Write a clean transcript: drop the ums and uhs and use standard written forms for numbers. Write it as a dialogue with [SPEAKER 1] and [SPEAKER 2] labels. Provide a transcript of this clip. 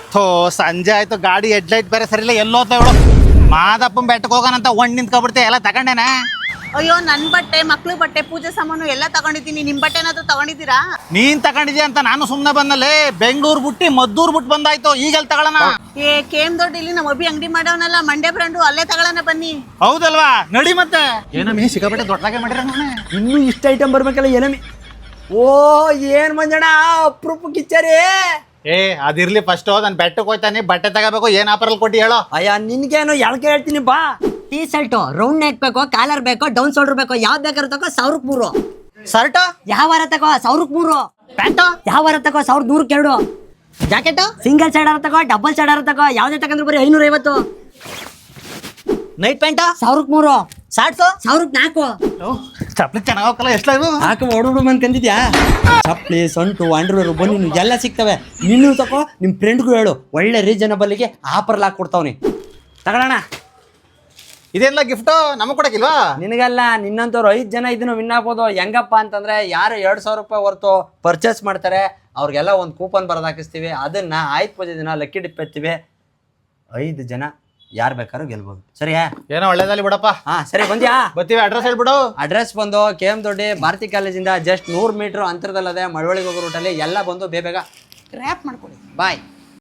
[SPEAKER 1] ಥೋ ಸಂಜೆ ಆಯ್ತು, ಗಾಡಿ ಹೆಡ್ಲೈಟ್ ಬೇರೆ ಸರಿಲ್ಲ, ಎಲ್ಲೋತ ಇವಳು. ಮಾದಪ್ಪನ ಬೆಟ್ಟಕ್ಕೆ ಹೋಗೋಣಂತ ಒಂದ್ ನಿಂತ್ಕೊಬಿಡ್ತೆ, ಎಲ್ಲ ತಗೊಂಡೇನ?
[SPEAKER 2] ಅಯ್ಯೋ, ನನ್ ಬಟ್ಟೆ, ಮಕ್ಳು ಬಟ್ಟೆ, ಪೂಜೆ ಸಾಮಾನು ಎಲ್ಲ ತಗೊಂಡಿದ್ದೀನಿ. ನಿಮ್ ಬಟ್ಟೆ ಏನಾದ್ರು ತಗೊಂಡಿದ್ದೀರಾ?
[SPEAKER 1] ನೀನ್ ತಗೊಂಡಿದ್ಯಾ ಅಂತ ನಾನು ಸುಮ್ನೆ ಬಂದಲ್ಲಿ. ಬೆಂಗಳೂರು ಬಿಟ್ಟು ಮದ್ದೂರ್ ಬಿಟ್ಟು ಬಂದಾಯ್ತು, ಈಗೆಲ್ಲ ತಗೊಳ್ಳೋಣ.
[SPEAKER 2] ಕೇಮ್ ದೊಡ್ಡ ಇಲ್ಲಿ ನಮ್ಮ ಅಬ್ಬಿ ಅಂಗಡಿ ಮಾಡವನಲ್ಲ, ಮಂಡ್ಯ ಬ್ರಾಂಡು, ಅಲ್ಲೇ ತಗೊಳ್ಳೋಣ ಬನ್ನಿ.
[SPEAKER 1] ಹೌದಲ್ವಾ, ನಡಿ ಮತ್ತೆ. ಏನಮ್ಮಿ ಸಿಕ್ಕಾಪಟ್ಟೆ ದೊಡ್ಡದಾಗೆ ಮಾಡಿರ.
[SPEAKER 3] ಇನ್ನೂ ಇಷ್ಟ ಐಟಮ್ ಬರ್ಬೇಕಲ್ಲ ಏನಮ್ಮಿ. ಓ ಏನ್ ಮಂಜಣ್ಣ ಅಪ್ರೂಪ ಕಿಚ್ಚರಿ.
[SPEAKER 1] ಅದಿರ್ಲಿ, ಫಸ್ಟ್ ನಾನು ಬೆಟ್ಟಕ್ಕೆ ಹೋಯ್ತಾನೆ, ಬಟ್ಟೆ ತಗೋಬೇಕು. ಏನ್ ಆಫರ್ ಕೊಟ್ಟಿ ಹೇಳೋ?
[SPEAKER 3] ಅಯ್ಯ ನಿನ್ಗೇನು ಎಳ್ಕೆ ಹೇಳ್ತೀನಿ ಬಾ.
[SPEAKER 4] ಟೀ ಶರ್ಟ್ ರೌಂಡ್ ನೆಕ್ ಬೇಕೋ, ಕಾಲರ್ ಬೇಕೋ, ಡೌನ್ ಶೋಲ್ಡರ್ ಬೇಕೋ, ಯಾವ್ದು ಬೇಕಾದ್ರೂ ತಗೋ 1000
[SPEAKER 1] ಶರ್ಟ್
[SPEAKER 4] ಯಾವ ವಾರ ತಗೋ 1000
[SPEAKER 1] ಪ್ಯಾಂಟು
[SPEAKER 4] ಯಾವ ವಾರ ತಗೋ 1100
[SPEAKER 1] ಜಾಕೆಟ್
[SPEAKER 4] ಸಿಂಗಲ್ ಸೈಡ್ ತಗೋ, ಡಬಲ್ ಸೈಡ್ ತಗೋ, ಯಾವ್ದೇ ತಗೊಂಡ್ರು ಬರೀ 550.
[SPEAKER 1] ನೈಟ್ ಪ್ಯಾಂಟ
[SPEAKER 4] 1003
[SPEAKER 1] ಶಾರ್ಟ್ಸ್
[SPEAKER 4] 1004
[SPEAKER 1] ಚಪ್ಲಿ ಚೆನ್ನಾಗ್ ಹೋಗಲ್ಲ. ಎಷ್ಟ ಇದು?
[SPEAKER 3] ಹಾಕ ಹೊಡೋಡು ಬಂದ್ಕಂದಿದ್ಯಾ? ಚಪ್ಲಿ, ಸಂಟು, ಅಂಡರ್ವೇರ್, ಬನ್ನಿ ಎಲ್ಲ ಸಿಗ್ತವೆ. ನಿನ್ನೂ ತಗೋ, ನಿಮ್ ಫ್ರೆಂಡ್ಗೂ ಹೇಳು, ಒಳ್ಳೆ ರೀಸನಬಲ್ಗೆ ಆಫರ್ ಹಾಕೊಡ್ತಾವ್ನಿ. ತಗೊಳ್ಳೋಣ.
[SPEAKER 1] ಇದೆಲ್ಲ ಗಿಫ್ಟ್ ನಮಗ್ ಕೊಡಕಿಲ್ವಾ?
[SPEAKER 3] ನಿನಗಲ್ಲ, ನಿನ್ನಂತವ್ರು 5 ಜನ ಇದನ್ನು ವಿನ್ ಆಗ್ಬೋದು. ಹೆಂಗಪ್ಪ ಅಂತಂದ್ರೆ, ಯಾರು 2000 ರೂಪಾಯಿ ಹೊರತು ಪರ್ಚೇಸ್ ಮಾಡ್ತಾರೆ ಅವ್ರಿಗೆಲ್ಲ ಒಂದು ಕೂಪನ್ ಬರೆದು ಹಾಕಿಸ್ತೀವಿ. ಅದನ್ನ ಆಯ್ತು ಪೂಜೆ ದಿನ ಲಕ್ಕಿ ಡಿಪ್ ಎತ್ತೀವಿ. 5 ಜನ ಯಾರು ಬೇಕಾದ್ರೂ ಗೆಲ್ಬೋದು. ಸರಿಯಾ?
[SPEAKER 1] ಏನೋ ಒಳ್ಳೇದಲ್ಲಿ ಬಿಡಪ್ಪ.
[SPEAKER 3] ಹಾ ಸರಿ, ಬಂದ್ಯಾ?
[SPEAKER 1] ಬರ್ತೀವಿ. ಅಡ್ರೆಸ್ ಹೇಳ್ಬಿಡು.
[SPEAKER 3] ಅಡ್ರೆಸ್ ಬಂದು KM ದೊಡ್ಡಿ ಭಾರತಿ ಕಾಲೇಜಿಂದ ಜಸ್ಟ್ 100 ಮೀಟರ್ ಅಂತರದಲ್ಲದೆ ಮಳವಳ್ಳಿಗೆ ಹೋಗೋ ರೂಟಲ್ಲಿ. ಎಲ್ಲ ಬಂದು ಬೇಗ ಗ್ರ್ಯಾಪ್ ಮಾಡ್ಕೊಳ್ಳಿ. ಬಾಯ್.